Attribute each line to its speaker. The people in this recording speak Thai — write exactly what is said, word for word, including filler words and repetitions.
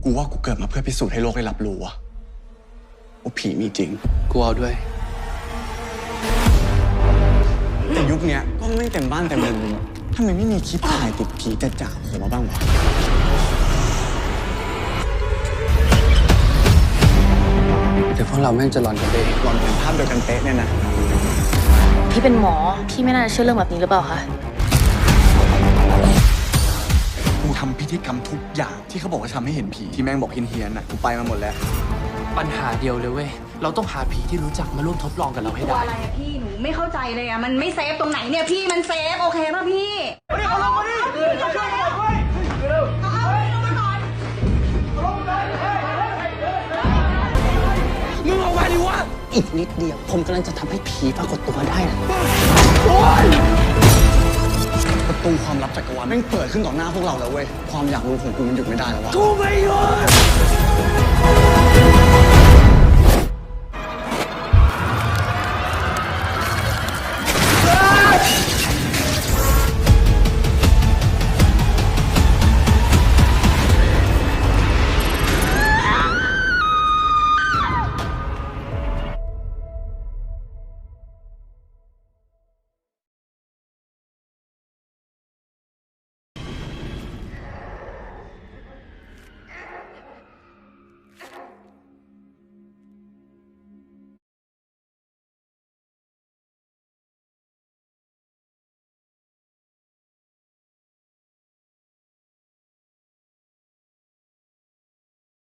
Speaker 1: กูว่ากูเกิดมาเพื่อพิสูจน์ให้โลกได้รับรู้ว่าว่าผีมีจริง
Speaker 2: กูเอาด้วย
Speaker 1: แต่ยุคเนี้ยก็ไม่เต็มบ้านเต็มเมืองเลยทำไมไม่มีคลิปถ่ายติดผีจะจ่าออกมาบ้างวะ
Speaker 2: เดี๋ยวพวกเราแม่งจะหลอนกันเอง
Speaker 1: หลอนเป็นภาพเดียวกันเป๊ะเนี่ยนะ
Speaker 3: พี่เป็นหมอพี่ไม่น่าจะเชื่อเรื่องแบบนี้หรือเปล่าคะ
Speaker 1: กูทำพิธีกรรมทุกอย่างที่เขาบอกว่าทำให้เห็นผีที่แม่งบอกเฮี้ยนๆน่ะกูไปมาหมดแล้ว
Speaker 2: ปัญหาเดียวเลยเว้ยเราต้องหาผีที่รู้จักมาร่วมทดลองกับเราให้ได้
Speaker 4: อะไรอะพี่หนูไม่เข้าใจเลยอะมันไม่เซฟตรงไหนเนี่ยพี่มันเซฟโอเคป่ะพี่มาดิเอาลงมาดิเอาช่วยหน่อยเว้ยเร็วเอาเอาลงมาก่อนเอาลงมา
Speaker 1: มึงเอาไปดิวะ
Speaker 5: อีกนิดเดียวผมกำลังจะทำให้ผีปรากฏตัวได้นะ
Speaker 1: ประตูความลับจักรวาลแม่งเปิดขึ้นต่อหน้าพวกเราแล้วเว้ยความอยากรู้ของกูมันหยุดไม่ได้แล้ววะ
Speaker 2: กูไม่หยุด